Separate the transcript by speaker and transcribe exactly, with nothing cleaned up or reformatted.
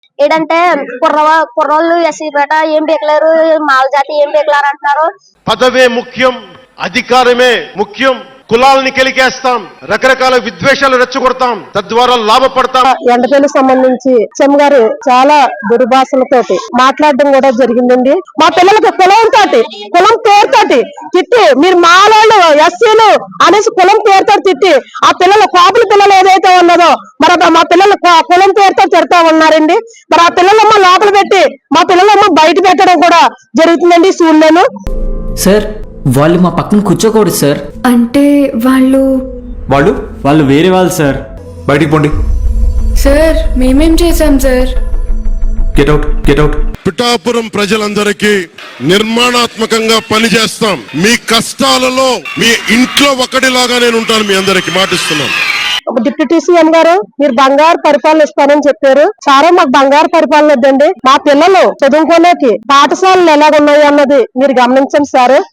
Speaker 1: ఏంటంటే కుర్ర కుర్రోళ్ళు ఎస్సీ పేట ఏం పీకలేరు, మాల జాతి ఏం పీకలేరు అంటున్నారు.
Speaker 2: పదవే ముఖ్యం, అధికారమే ముఖ్యం. కులాలని కెలికేస్తాం, రకరకాల విద్వేషాలు రెచ్చగొడతాం, తద్వారా లాభపడతాం.
Speaker 3: ఎండపల్లి సంబంధించి చెమ్ గారు చాలా దుర్భాషలతోటి మాట్లాడడం కూడా జరిగిందండి. మా పిల్లలకి కులం తోటి కులం పేరుతోటి తిట్టి, మీరు మాలోళ్ళు ఎస్సీలు అనేసి కులం పేరుతో తిట్టి, ఆ పిల్లలు కోపల పిల్లలు ఏదైతే ఉన్నదో మరి మా పిల్లలు కులం పేరుతో తిడతా ఉన్నారండి. మరి ఆ పిల్లలమ్మ లోపల పెట్టి మా పిల్లలమ్మ బయట పెట్టడం కూడా జరుగుతుందండి స్కూల్లోను.
Speaker 4: సార్ వాళ్ళు మా పక్కన కూర్చోకూడదు సార్.
Speaker 5: అంటే వాళ్ళు
Speaker 6: వాళ్ళు వాళ్ళు వేరే వాళ్ళు సార్. బయటికి పోండి
Speaker 5: సార్. మేమేం చేశాం sir?
Speaker 6: Get out get out.
Speaker 2: Pithapuram ప్రజలందరికీ నిర్మాణాత్మకంగా పనిచేస్తాం. మీ కష్టాలలో మీ ఇంట్లో ఒకటిలాగా నేను ఉంటాను, మీ అందరికి మాటిస్తున్నాను.
Speaker 3: డిప్యూటీ సీఎం గారు మీరు బంగారు పరిపాలన ఇస్తానని చెప్పారు. చాలా మాకు బంగారు పరిపాలన వద్దండి. మా పిల్లలు చదువుకోలేకి పాఠశాలలు ఎలాగున్నాయి అన్నది మీరు గమనించండి సార్.